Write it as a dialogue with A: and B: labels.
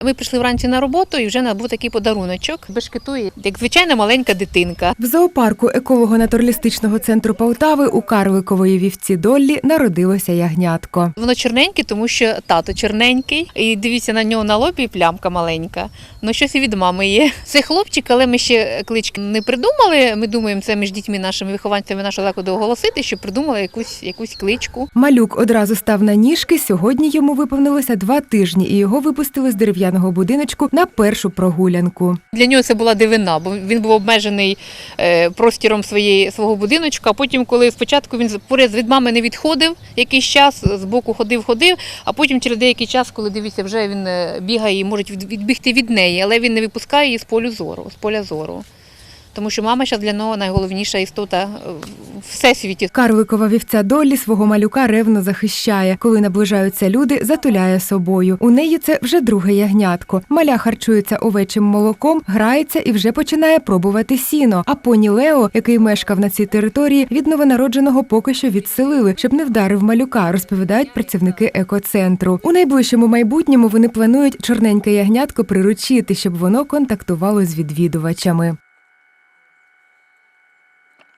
A: Ми прийшли вранці на роботу і вже був такий подаруночок. Бешкетує, як звичайна маленька дитинка.
B: В зоопарку еколого-натуралістичного центру Полтави у карликової вівці Доллі народилося ягнятко.
A: Воно чорненьке, тому що тато чорненький. І дивіться, на нього на лобі плямка маленька. Ну, щось і від мами є. Це хлопчик, але ми ще клички не придумали. Ми думаємо, це між дітьми, нашими вихованцями нашого закладу оголосити, щоб придумали якусь кличку.
B: Малюк одразу став на ніжки. Сьогодні йому виповнилося 2 тижні, і його випустили з дерев'яного будиночку на першу прогулянку.
A: Для нього це була дивина, бо він був обмежений простіром свого будиночка, а потім, коли спочатку він поряд від мами не відходив якийсь час, з боку ходив, а потім через деякий час, коли дивіться, вже він бігає і може відбігти від неї, але він не випускає її з поля зору. Тому що мама зараз для нього найголовніша істота в всесвіті.
B: Карликова вівця Доллі свого малюка ревно захищає. Коли наближаються люди, затуляє собою. У неї це вже друге ягнятко. Маля харчується овечим молоком, грається і вже починає пробувати сіно. А поні Лео, який мешкав на цій території, від новонародженого поки що відселили, щоб не вдарив малюка, розповідають працівники екоцентру. У найближчому майбутньому вони планують чорненьке ягнятко приручити, щоб воно контактувало з відвідувачами.